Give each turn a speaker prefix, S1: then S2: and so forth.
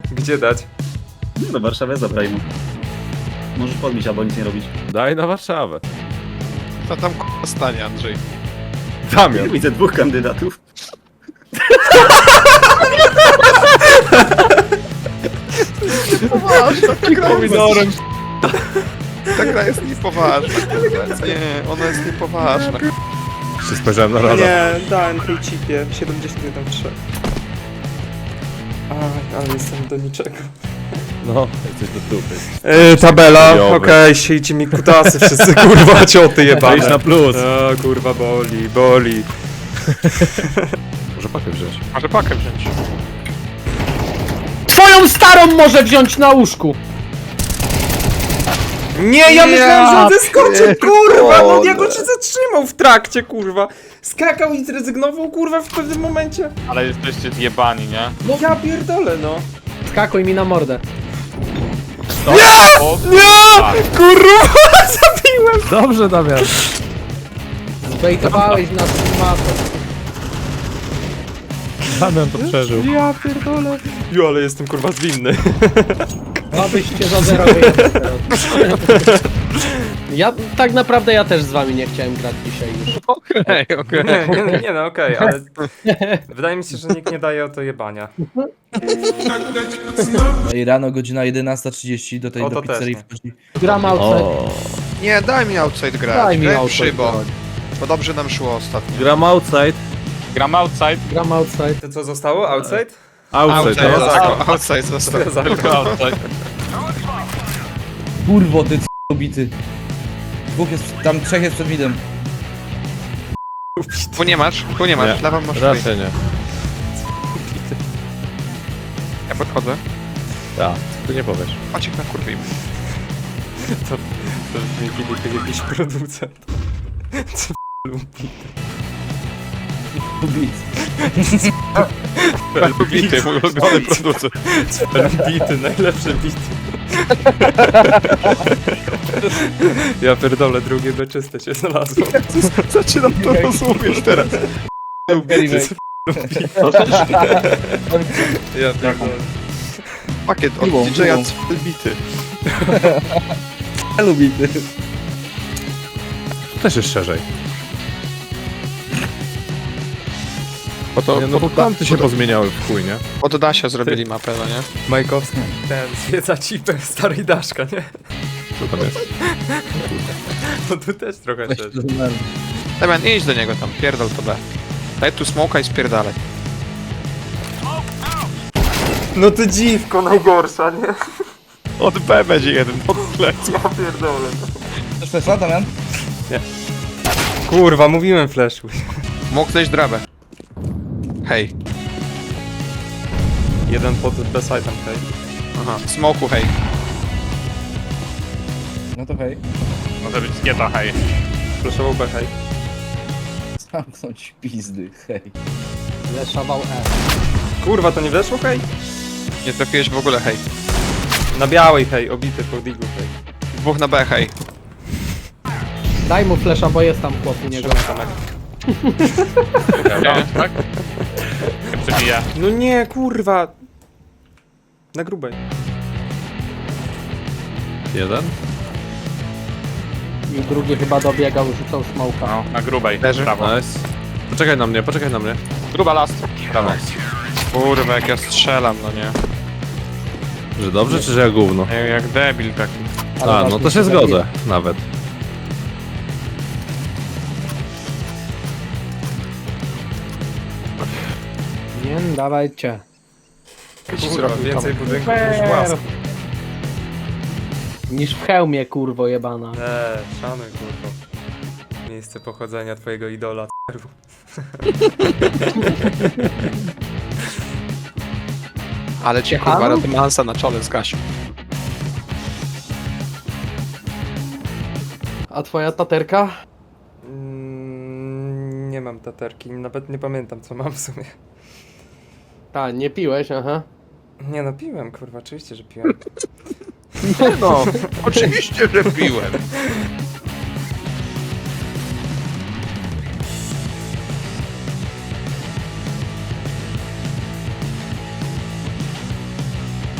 S1: Gdzie dać?
S2: Do Warszawy zabraj mu. Możesz podbić albo nic nie robić.
S3: Daj na Warszawę.
S4: Co tam k***a stanie, Andrzej?
S3: Damian.
S2: Widzę dwóch kandydatów.
S4: Poważna, ta gra jest...
S3: Pomidorem.
S4: Ta gra jest niepoważna. Nie, ona jest niepoważna.
S3: Się spojrzałem na radę.
S1: Nie, dałem tej chipie. 73. Aj, ale jestem do niczego.
S3: No, jesteś do dupy.
S1: Tabela,
S3: Chujowy.
S1: okej, siejcie mi kutasy wszyscy, kurwa, cioty jebane.
S3: Wejdź na plus.
S1: O, kurwa, boli, boli.
S3: Może pakę wziąć.
S4: Może pakę wziąć.
S5: Twoją starą może wziąć na łóżku!
S1: Nie, ja myślałem, że on zeskoczy, kurwa, no
S4: pierdolę.
S1: jak on się zatrzymał w trakcie, kurwa. Skakał i zrezygnował, kurwa, w pewnym momencie.
S6: Ale jesteście zjebani, nie?
S1: No ja pierdolę, no.
S5: Skakuj mi na mordę.
S6: O,
S1: Nie, kurwa, zabiłem.
S3: Dobrze, Damian.
S5: Zbejtowałeś nas z matą.
S3: Damian to przeżył.
S1: Ja pierdolę. Jo, ale jestem, kurwa, zwinny.
S5: Abyście za zero wyjechali teraz. Ja tak naprawdę ja też z wami nie chciałem grać dzisiaj już.
S4: Okej.
S1: Nie, no okej, ale wydaje mi się, że nikt nie daje o to jebania.
S7: I rano godzina 11:30 do tej
S1: O,
S7: do
S1: to
S7: pizzerii
S1: też nie.
S7: wchodzi.
S5: Gram outside.
S3: O.
S4: Nie, daj mi outside grać.
S5: Daj mi
S4: Graj
S5: outside
S4: szybą.
S5: grać.
S4: Bo dobrze nam szło ostatnio.
S3: Gram outside.
S6: gram outside.
S5: Gram outside.
S1: To co zostało? Outside?
S3: Outside, no.
S4: Outside został.
S6: Outside.
S7: Kurwo, ty c***bity. Dwóch jest, tam trzech jest przed midem.
S4: Tu nie masz,
S3: Nie.
S4: lewą masz.
S3: Raczej nie.
S4: Ja podchodzę.
S3: Tak, ty nie powiesz.
S4: Chodź ich nakurwimy.
S1: To brzmi Filip jakiś producent.
S7: Bit.
S4: Bity, mój ulubiony producent.
S1: Bity, najlepsze bity. Ja pierdolę, drugie beczyste się znalazło.
S4: Zaczynam to rozumieć teraz.
S1: Ja pierdolę.
S4: Pakiet od
S7: Piłą,
S4: DJ-a
S7: piłą.
S4: bity.
S7: Lubi ty.
S3: Też jest szerzej.
S4: Bo to
S3: Nie, no bo kąty się pozmieniały w chuj, nie?
S4: od Dasia zrobili mapę, no nie?
S1: Majkowski. Ten zwiedza cipę starej Daszka, nie?
S3: Co tam jest?
S1: No tu też trochę
S7: Weź
S1: też.
S7: to numer.
S4: Damian, idź do niego tam, pierdol to B. Daj tu smoka i spierdalaj.
S1: No ty dziwko najgorsza, nie?
S4: Od B będzie jeden, od plecu.
S1: Ja pierdolę.
S7: Chcesz flesza, Damian?
S1: Kurwa, mówiłem flashu.
S4: Mógł zejść drabę. Hej.
S1: Jeden pod B-side'em, hej.
S4: Aha, smoku hej.
S7: No to hej.
S6: Może być skieta, hej.
S1: Flashował B, hej.
S7: Zamknąć pizdy, hej.
S5: Leszował E.
S1: Kurwa, to nie weszło, hej?
S4: Nie trafiłeś w ogóle hej.
S1: Na białej, hej, obity po diglu, hej.
S4: Dwóch na B hej.
S5: Daj mu flesza, bo jest tam chłop u niego.
S6: Nie, tak? Jak przebija.
S1: No nie, kurwa. Na grubej.
S3: Jeden?
S5: I drugi chyba dobiegał, rzucał smoka.
S6: No, na grubej.
S4: Leży.
S6: Prawo.
S3: Nice. Poczekaj na mnie, poczekaj na mnie.
S6: Gruba last. Prawo.
S4: Kurwa, jak ja strzelam, no nie.
S3: Że dobrze, czy że ja gówno?
S4: Jak debil taki.
S5: Ale
S3: A, no
S5: ważne,
S3: to się
S5: że zabije.
S3: zgodzę, nawet.
S5: Nie, dawajcie.
S1: Kurwa, więcej budynków niż łask.
S5: Niż w hełmie, kurwo jebana.
S1: Szanuj, kurwa. Miejsce pochodzenia twojego idola, c***u.
S4: Ale ci
S5: Jechano?
S4: kurwa Rodmansa na czole zgasił.
S5: A twoja taterka?
S1: Nie mam taterki, nawet nie pamiętam co mam w sumie.
S5: Ta, nie piłeś, aha.
S1: Nie no, piłem, kurwa, oczywiście, że piłem.
S4: No, oczywiście, że piłem.